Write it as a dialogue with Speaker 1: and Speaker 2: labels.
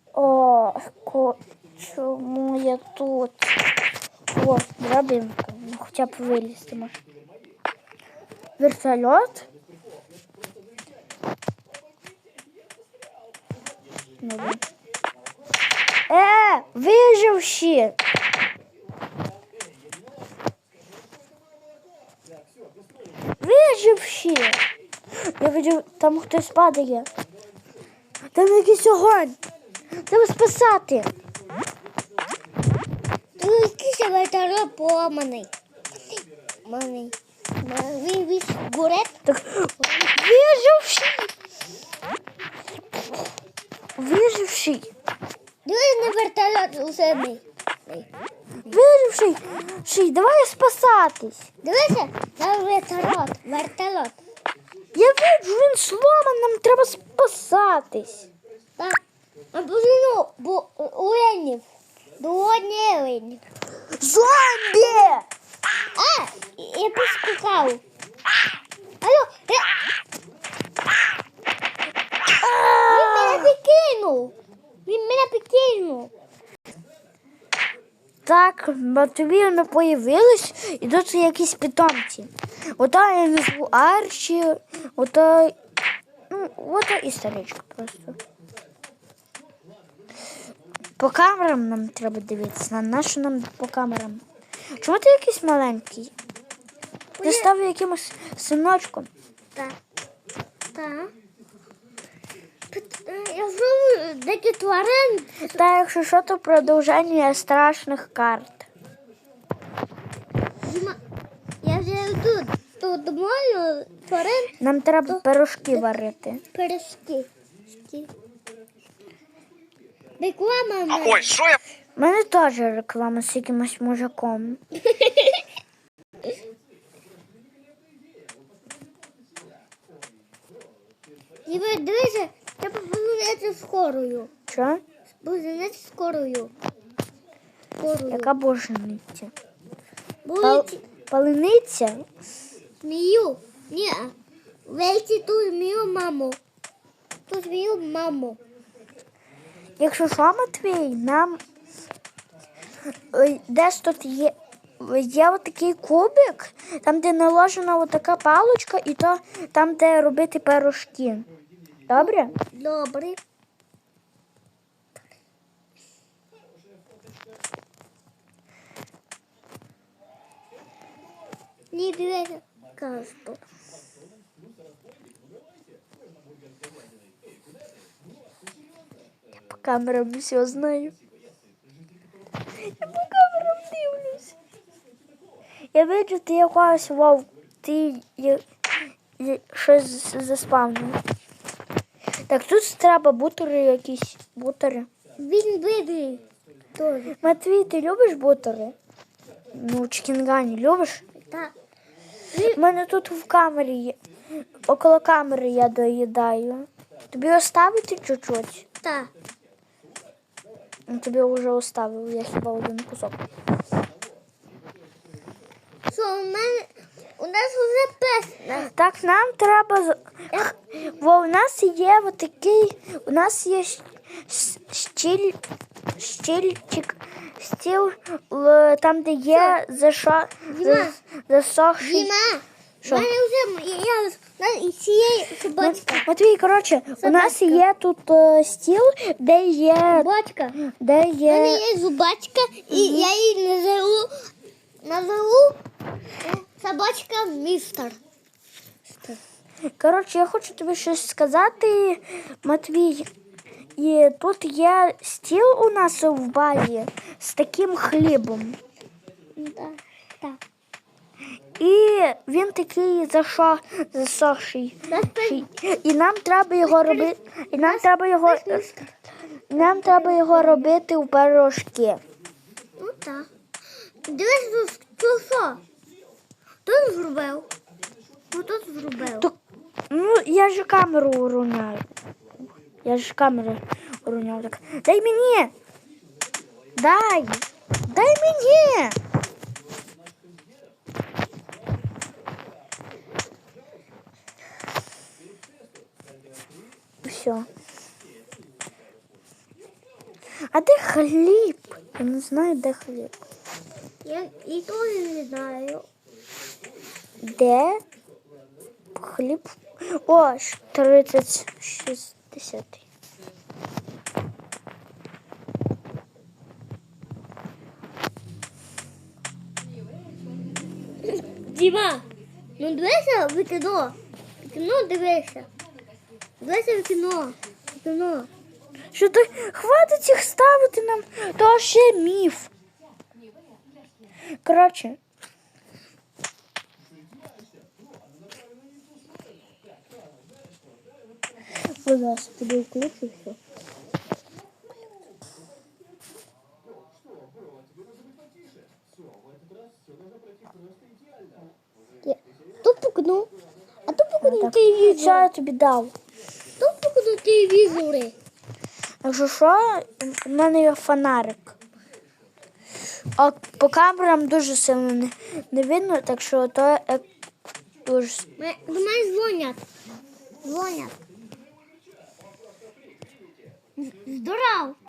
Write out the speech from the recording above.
Speaker 1: О, чому я тут? О, драбинка. Ну, хоча б вилізти може. Вертольот? Ну, виживші! Виживші! Я бачу, там хтось падає. Там якийсь огонь. Треба спасати.
Speaker 2: Тут якийсь вертольот поламаний. Він горить.
Speaker 1: Так, виживші! Виживший!
Speaker 2: Дивись на вертольот усе мій.
Speaker 1: Виживший! Давай спасатись!
Speaker 2: Дивися на вертольот.
Speaker 1: Я бачу, він сломаний, нам треба спасатись.
Speaker 2: Так. А позину, бо оленів. До оленів.
Speaker 1: Зомбі!
Speaker 2: Я поскакав. Алло, Він мене покинув.
Speaker 1: Так, Матвіївна появилась, і тут якісь питомці. Ота я назву Арчі, ота і старичка просто. По камерам нам треба дивитися. На що нам по камерам? Чому ти якийсь маленький? Ти став якимось синочком.
Speaker 2: Так. Я знову деякі тварин.
Speaker 1: Та якщо що, то продовження страшних карт.
Speaker 2: Я вже тут мою тварин.
Speaker 1: Нам треба пирожки варити.
Speaker 2: Пирожки. Реклама.
Speaker 3: Ой, що я?
Speaker 1: У мене теж реклама з якимось мужиком.
Speaker 2: Дивися, треба позвонити скорою.
Speaker 1: Що?
Speaker 2: Позвонити скорою.
Speaker 1: Яка божениця?
Speaker 2: Будуть
Speaker 1: Палениця?
Speaker 2: змію. Ні, вийти ту змію маму. Ту змію маму.
Speaker 1: Якщо що, Матвій, нам десь тут є отакий кубик, там, де наложена отака паличка, і то там, де робити пирожки. Добре?
Speaker 2: Добре. Ні, дивися, касту.
Speaker 1: По камерам все знаю. Я по камерам дивлюсь. Я бачу, ти якась вовк, ти щось заспавнив. Так, тут треба бутери якісь. Бутери.
Speaker 2: Він бідний. Тоже.
Speaker 1: Матвій, ти любиш бутери? Ну, чкінгані любиш?
Speaker 2: Так.
Speaker 1: У мене тут в камері є. Около камери я доїдаю. Тобі оставити чуть-чуть?
Speaker 2: Так.
Speaker 1: Ну, тобі вже оставив, я хіба один кусок.
Speaker 2: Що, у нас вже пес.
Speaker 1: Так, нам треба... Бо у нас є отакий... У нас є стільчик, стіл, там, де є засохший...
Speaker 2: Діма,
Speaker 1: Що?
Speaker 2: у мене вже і цієї собачка.
Speaker 1: Матвій, коротше, у нас є тут стіл, де є...
Speaker 2: Собачка.
Speaker 1: Де
Speaker 2: У мене
Speaker 1: є...
Speaker 2: є зубачка, і я її назову собачка містер.
Speaker 1: Коротше, я хочу тобі щось сказати, Матвій. І тут є стіл у нас в базі з таким хлібом.
Speaker 2: Так.
Speaker 1: І він такий засохший. І нам треба його робити. І нам треба його робити в пирожки.
Speaker 2: Ну так. Дивись, що? Тут зробив. Ну тут зробив.
Speaker 1: Ну, я ж камеру уруняю. Так. Дай мені! Дай мені! Все. А де хліб? Я не знаю, де хліб.
Speaker 2: Я і теж не знаю.
Speaker 1: Де хліб? О, 30-60.
Speaker 2: Діма, ну дивися в кіно. В кіно дивися. Дивися в кіно. В кіно.
Speaker 1: Що ти хватить їх ставити нам, то ще міф. Коротше. Будь ласка, тобі включу все.
Speaker 2: То пукну. А то пукну телевізор.
Speaker 1: Що я тобі дав?
Speaker 2: То пукну телевізори.
Speaker 1: Якщо що, в мене є фонарик. А по камерам дуже сильно не видно, так що то дуже.
Speaker 2: До мене дзвонять. Дзвонять. Здоров.